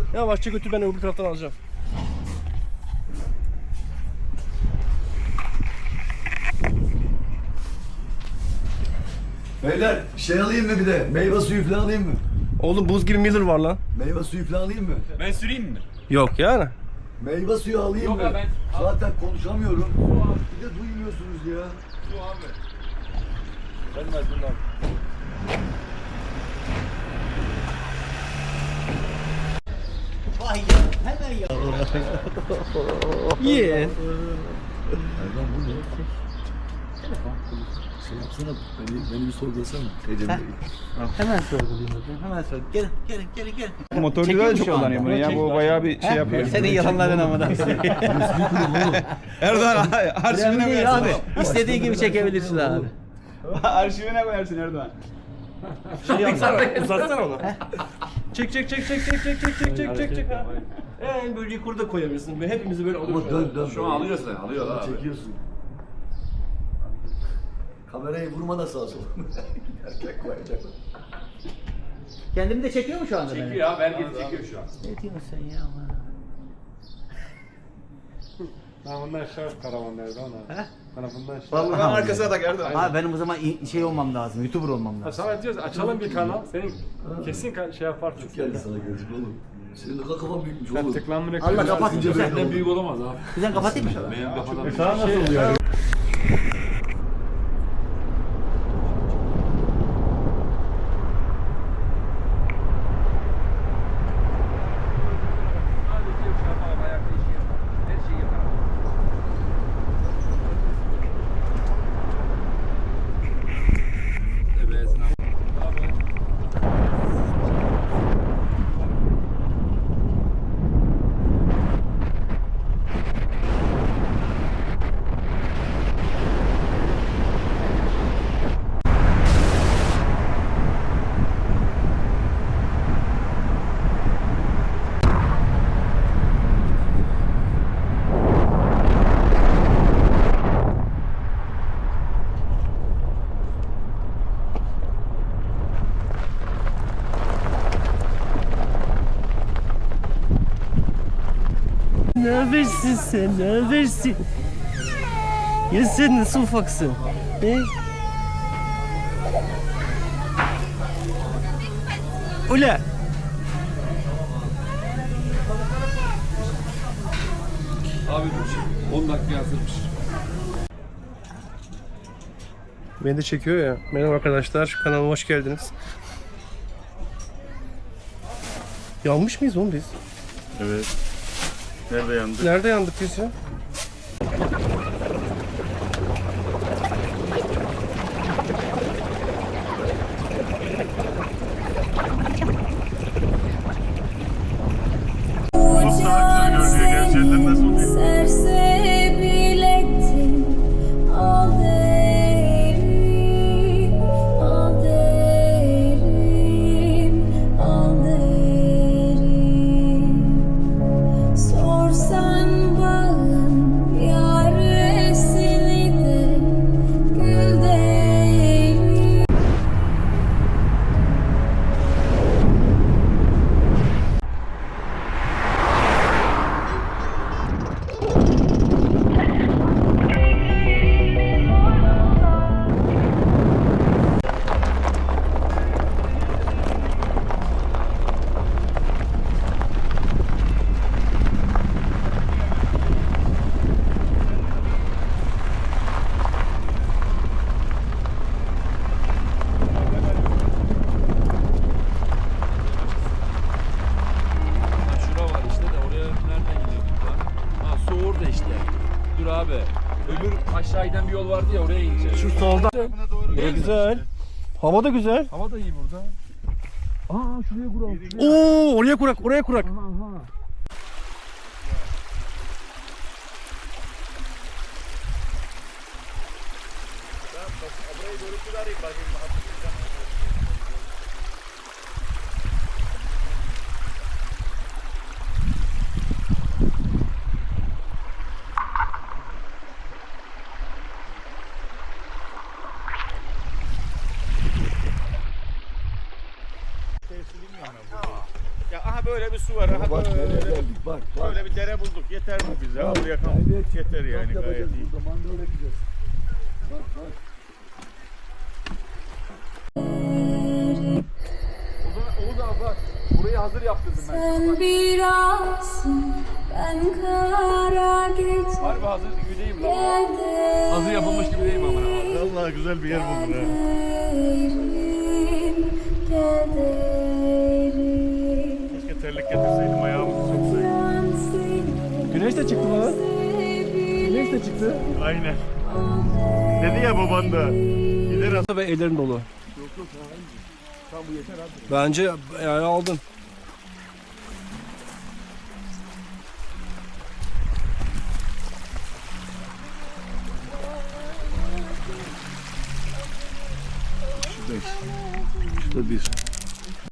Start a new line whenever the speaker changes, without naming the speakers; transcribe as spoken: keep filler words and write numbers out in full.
Yavaşça götür, ben öbür taraftan alacağım.
Beyler şey alayım mı bir de? Meyve suyu falan alayım mı?
Oğlum buz gibi Miller var lan.
Meyve suyu falan alayım mı?
Ben süreyim mi?
Yok yani.
Meyve suyu alayım
Yok
mı?
ya ben...
Zaten konuşamıyorum. Bir de duymuyorsunuz ya.
Su abi.
Gelmez bundan.
Vay ya, hemen ya.
Ye.
Erdoğan bu ne? Şey yapsana, beni, beni bir sorgulasana. Ecem Bey.
Hemen sorgulayayım hocam, hemen sor. Gelin, gelin, gelin, gelin.
Motorcular da çok
şu anda.
kullanıyor bunu ya. Bu bayağı bir şey yapıyor.
Senin yalanların amına.
Erdoğan arşivine
Önemli değil
koyarsın.
abi. İstediğin gibi çekebilirsin abi.
Arşivine koyarsın Erdoğan.
Şey yapsana, uzatsana onu. Çek çek çek çek çek çek çek çek çek çek çek abi. En böyle yukarıda koyabilirsin. Hepimizi böyle
Ama
alıyoruz.
dön dön.
Şu an alıyorsun, alıyor abi.
Çekiyorsun. Kamerayı vurma da sağa sola. Erkek koyacak.
Kendini de çekiyor mu şu anda?
Çekiyor abi, herkes çekiyor şu an.
Ne diyorsun sen ya aman?
Ha bundan şart karavanlarda ona.
He?
Bana bundan şart.
Vallahi.
Ben arkasına tak Erdoğan.
Abi benim o zaman i- şey olmam lazım, YouTuber olmam
Ha,
lazım.
sana diyoruz açalım bir kanal. Senin kesin ka- şey yaparsın.
Geldi sana gözük oğlum. Senin ne kadar kafan büyükmüş
Ben
oğlum.
tıklanma
Allah
reklamı.
kapat.
Sence böyle
Senden
oldu.
büyük olamaz abi.
Güzel kapatayım mı?
Benim kafadan
Sana nasıl oluyor?
Ne habersin sen, ne habersin? Ya sen nasıl ufaksın? He? Ula!
Abi on dakika hazırmış.
Beni de çekiyor ya. Merhaba arkadaşlar, kanalıma hoş geldiniz. Yanmış mıyız oğlum biz?
Evet. Nerede yandı?
Nerede yandık biz ya?
Sersebilettin al derim, al derim, al derim. Sorsan bağın yaresini de gül derim.
Şura var işte de oraya nereden gidiyorduk lan? Ha su orada işte. Dur abi. Öbür aşağı giden bir yol vardı ya, oraya ineceğiz.
Şu solda. Bura güzel. Hava da güzel.
Hava da iyi burada. Aa şuraya kuralım.
Oo, oraya kurak, oraya kurak.
Ya aha Aha böyle bir su var. Aha
Bak nereye
böyle,
geldik bak bak.
böyle bir dere bulduk. Yeter mi bize? Al yakan. Yeter yani
Kamp
gayet
yapacağız
iyi.
burada, mangal yakacağız. Bak bak.
Oğuz abi bak. Burayı hazır yaptırdım ben.
Sen birazsın, ben kara gece.
Harbi hazır gibi değil mi lan?
Kaderim,
Hazır yapılmış gibi değil mi amına abi?
Vallahi güzel bir yer buldun ha.
kaderim.
Keşke terlik getirseydim ayağımızı soksaydım.
Ben seni
Güneş de çıktı lan.
seviyorum.
Güneş de çıktı.
Aynen. Dedi ya baban da. Gider
Ve ellerin dolu. Bence yani aldın.
Şurada bir.